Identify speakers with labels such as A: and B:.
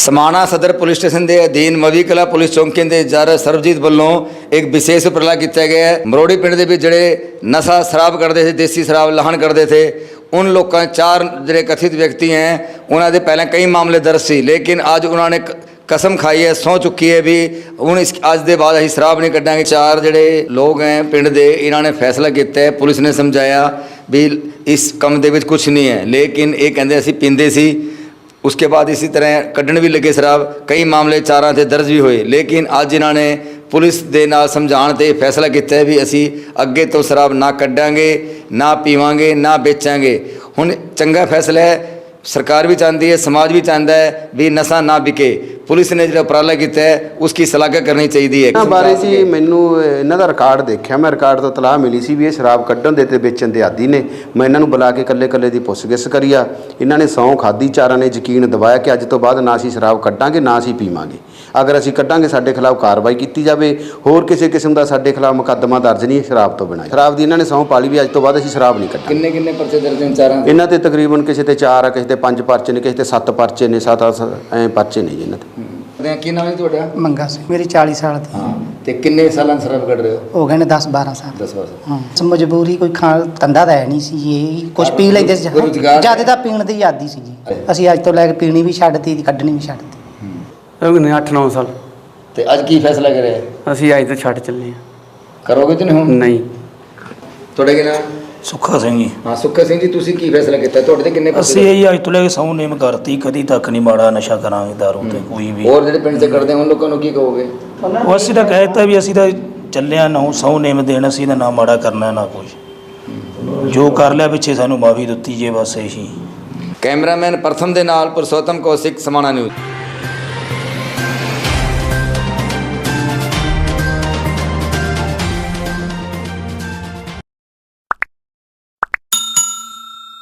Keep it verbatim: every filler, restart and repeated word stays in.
A: समाणा सदर police station के अधीन मवी कला पुलिस चौकी के इंचार्ज सरबजीत वालों एक विशेष उपराला किया गया है। मरोड़ी पिंड के विच जिहड़े नशा शराब करते थे, देसी शराब लाहन करते थे, उन लोगों चार जिहड़े कथित व्यक्ति हैं उन्होंने पहले कई मामले दर्ज सी, लेकिन अज उन्होंने कसम खाई है, सौ चुकी है भी हूँ इस अज के बाद असीं शराब नहीं कड्डांगे। चार जिहड़े लोग हैं पिंड के, इन्होंने फैसला किया है, पुलिस ने समझाया भी इस कम दे विच कुछ नहीं है, लेकिन ये कहते असीं पींदे सी। उसके बाद इसी तरह कड्ढण भी लगे शराब, कई मामले चारां ते दर्ज भी होए, लेकिन अज इन्होंने पुलिस दे नाल समझाण ते फैसला किया है भी असी अगे तो शराब ना कड्डांगे, ना पीवांगे, ना बेचांगे। हुण चंगा फैसला है, सरकार भी चाहती है, समाज भी चाहता है भी नशा ना बिके। पुलिस ने जो उपराला किया है उसकी सलाह करनी चाहिए है।
B: बारे जी मैनू इन्हां दा रिकॉर्ड देखिया, मैं रिकॉर्ड तो तलाह मिली सी भी ये शराब कड्ढण दे ते बेचण दे आदी ने। मैं इन्हां नूं बुला के कल्ले कल्ले दी पुੱਛ-ਗਿੱਛ करी आ। इन्हां ने सौं खाधी, चारां ने यकीन दवाया कि अज तो बाद ना असीं शराब कड्डांगे ना असीं पीवांगे। अगर असीं कड्डांगे साडे खिलाफ कार्रवाई की जाए, होर किसी किस्म का साडे खिलाफ मुकदमा दर्ज नहीं शराब तो बिना। शराब की इन्होंने सौं पा ली भी अज तो बाद असीं शराब नहीं कड्डांगे।
A: किन्ने किन्ने परचे दर्ज हैं चारां दे?
B: इन्हां ते तकरीबन किसी ते चार आ, किसी ते पंज परचे ने, किसी ते सत्त परचे ने, सत्त ऐ परचे ने जी इन्हां ते।
A: की नाम है तुहाडा?
C: मंगा सिंह, मेरी चालीस साल दी।
A: हाँ, ते किन्ने सालां तो शराब कढ़ रहे हो?
C: हो गए ने दस बारह साल।
A: दस बारह।
C: हाँ, मजबूरी कोई खाण धंधा ਤਾਂ ਹੈ ਨਹੀਂ ਸੀ ਜੀ, ਕੁਝ ਪੀ ਲੈਂਦੇ ਸੀ, ਜਿਆਦਾ ਤਾਂ ਪੀਣ ਦੀ ਆਦੀ ਸੀ ਜੀ। ਅਸੀਂ ਅੱਜ ਤੋਂ ਲੈ ਕੇ ਪੀਣੀ ਵੀ ਛੱਡਤੀ ਤੇ ਕੱਢਣੀ ਵੀ ਛੱਡਤੀ।
D: ਹੋ ਗਏ ਅੱਠ ਨੌ ਸਾਲ।
A: ਤੇ ਅੱਜ ਕੀ ਫੈਸਲਾ ਕਰਿਆ?
D: ਅਸੀਂ ਅੱਜ ਤੋਂ ਛੱਡ ਚੱਲੇ ਆ।
A: ਕਰੋਗੇ ਤੇ ਨਹੀਂ ਹੁਣ?
D: ਨਹੀਂ।
A: ਤੁਹਾਡਾ ਕੀ ਨਾਮ?
E: ਸੁੱਖਾ ਸਿੰਘ ਜੀ।
A: ਹਾਂ ਸੁੱਖਾ ਸਿੰਘ ਜੀ, ਤੁਸੀਂ ਕੀ ਫੈਸਲਾ ਕੀਤਾ? ਤੁਹਾਡੇ ਤੇ ਕਿੰਨੇ
E: ਅਸੀਂ ਇਹ ਅੱਜ ਤੋਂ ਲੈ ਕੇ ਸਹੁੰ ਨੇਮ ਕਰਤੀ, ਕਦੀ ਤੱਕ ਨਹੀਂ ਮਾੜਾ ਨਸ਼ਾ ਕਰਾਂਗੇ ਦਾਰੂ ਤੇ ਕੋਈ ਵੀ।
A: ਹੋਰ ਜਿਹੜੇ ਪਿੰਡ 'ਚ ਕਰਦੇ ਉਹਨਾਂ ਲੋਕਾਂ ਨੂੰ ਕੀ ਕਹੋਗੇ?
E: ਉਹ ਅਸੀਂ ਤਾਂ ਕਹਿ ਦਿੱਤਾ ਵੀ ਅਸੀਂ ਤਾਂ ਚੱਲਿਆ ਨਾ ਸਹੁੰ ਨੇਮ ਦੇਣ, ਅਸੀਂ ਤਾਂ ਨਾ ਮਾੜਾ ਕਰਨਾ ਨਾ ਕੁਝ, ਜੋ ਕਰ ਲਿਆ ਪਿੱਛੇ ਸਾਨੂੰ ਮਾਫੀ ਦਿੱਤੀ ਜੇ ਬਸ ਇਹੀ।
A: ਕੈਮਰਾਮੈਨ ਪ੍ਰਥਮ ਦੇ ਨਾਲ ਪੁਰਸ਼ੋਤਮ ਕੌਸ਼ਿਕ, ਸਮਾਣਾ ਨਿਊਜ਼।